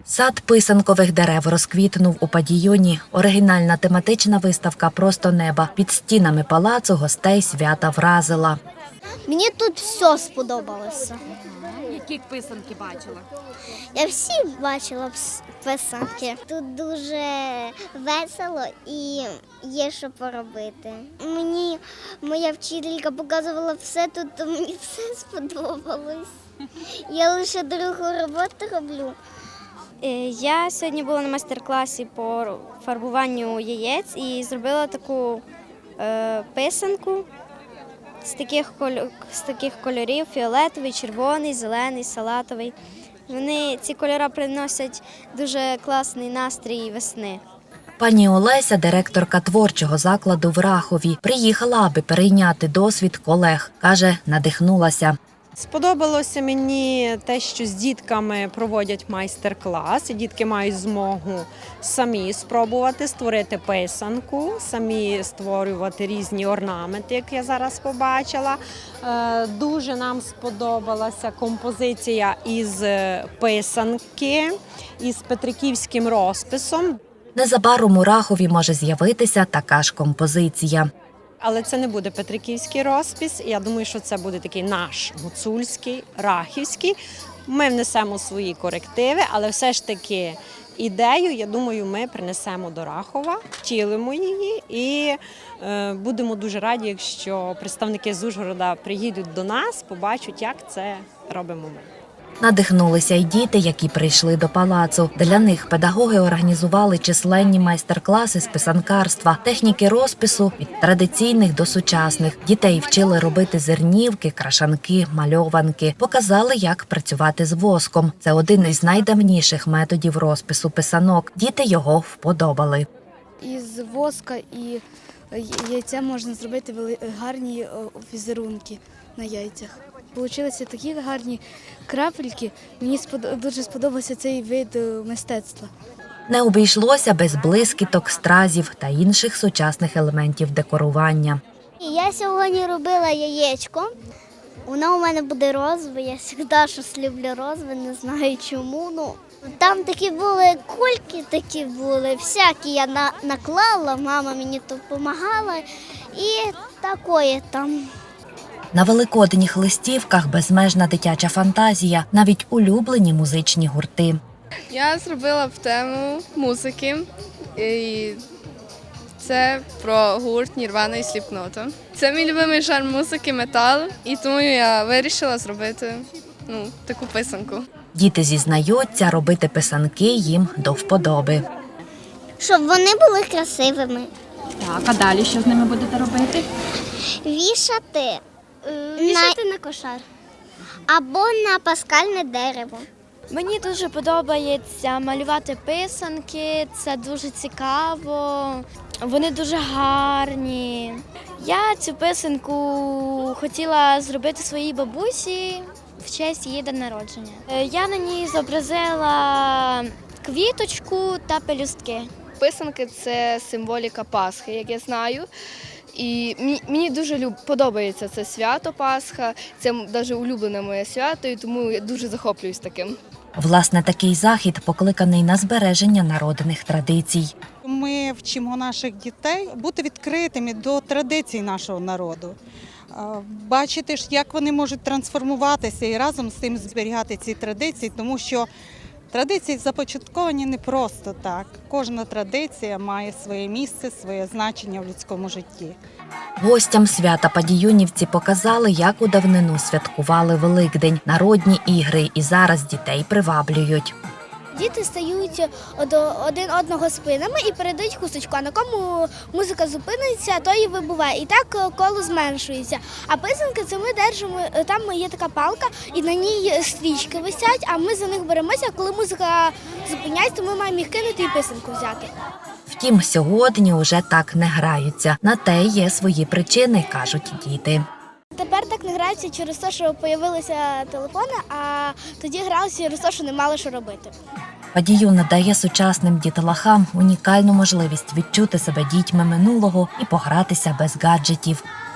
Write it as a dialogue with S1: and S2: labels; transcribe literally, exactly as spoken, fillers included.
S1: Сад писанкових дерев розквітнув у Падійоні. Оригінальна тематична виставка «Просто неба» під стінами палацу гостей свята вразила.
S2: Мені тут все сподобалося.
S3: Які писанки бачила?
S2: Я всі бачила писанки. Тут дуже весело і є що поробити. Мені моя вчителька показувала все тут, то мені все сподобалось. Я лише другу роботу роблю.
S4: Я сьогодні була на майстер-класі по фарбуванню яєць і зробила таку е, писанку з таких, кольор, з таких кольорів – фіолетовий, червоний, зелений, салатовий. Вони, ці кольори приносять дуже класний настрій весни.
S1: Пані Олеся, директорка творчого закладу в Рахові, приїхала, аби перейняти досвід колег. Каже, надихнулася.
S5: Сподобалося мені те, що з дітками проводять майстер-клас, і дітки мають змогу самі спробувати створити писанку, самі створювати різні орнаменти, як я зараз побачила. Дуже нам сподобалася композиція із писанки, із петриківським розписом.
S1: Незабаром у Рахові може з'явитися така ж композиція.
S5: Але це не буде петриківський розпис, я думаю, що це буде такий наш гуцульський, рахівський. Ми внесемо свої корективи, але все ж таки ідею, я думаю, ми принесемо до Рахова, втілимо її і е, будемо дуже раді, якщо представники з Ужгорода приїдуть до нас, побачать, як це робимо ми.
S1: Надихнулися й діти, які прийшли до палацу. Для них педагоги організували численні майстер-класи з писанкарства, техніки розпису від традиційних до сучасних. Дітей вчили робити зернівки, крашанки, мальованки. Показали, як працювати з воском. Це один із найдавніших методів розпису писанок. Діти його вподобали.
S6: Із воска і яйця можна зробити гарні візерунки на яйцях. Получилися такі гарні крапельки. Мені дуже сподобався цей вид мистецтва.
S1: Не обійшлося без блискіток, стразів та інших сучасних елементів декорування.
S2: Я сьогодні робила яєчко. Воно у мене буде розове. Я завжди щось люблю розове, не знаю чому. Ну, там такі були кульки, такі були, всякі я на, наклала, мама мені допомагала і такое там.
S1: На великодніх листівках безмежна дитяча фантазія, навіть улюблені музичні гурти.
S7: Я зробила в тему музики, і це про гурт Нірвана і Сліпнота. Це мій улюблений жанр музики, метал, і тому я вирішила зробити ну, таку писанку.
S1: Діти зізнаються, робити писанки їм до вподоби.
S2: Щоб вони були красивими.
S3: Так, а далі що з ними будете робити?
S2: Вішати. Вішати на, на кошар або на паскальне дерево.
S4: Мені дуже подобається малювати писанки, це дуже цікаво, вони дуже гарні. Я цю писанку хотіла зробити своїй бабусі в честь її дня народження. Я на ній зобразила квіточку та пелюстки.
S7: Писанки – це символіка Пасхи, як я знаю. І мені дуже подобається це свято Пасха, це навіть улюблене моє свято, і тому я дуже захоплююсь таким.
S1: Власне, такий захід покликаний на збереження народних традицій.
S8: Ми вчимо наших дітей бути відкритими до традицій нашого народу, бачити, як вони можуть трансформуватися і разом з тим зберігати ці традиції, тому що традиції започатковані не просто так. Кожна традиція має своє місце, своє значення в людському житті.
S1: Гостям свята падійонівці показали, як у давнину святкували Великдень, народні ігри, і зараз дітей приваблюють.
S2: Діти стають один одного спинами і передають хусточку, а на кому музика зупиниться, то і вибуває. І так коло зменшується. А писанки – це ми держимо, там є така палка, і на ній стрічки висять, а ми за них беремося, коли музика зупиняється, то ми маємо їх кинути і писанку взяти.
S1: Втім, сьогодні уже так не граються. На те є свої причини, кажуть діти.
S2: Тепер так не граються через те, що з'явилися телефони, а тоді гралися через те, що не мали що робити.
S1: Падійон надає сучасним дітлахам унікальну можливість відчути себе дітьми минулого і погратися без гаджетів.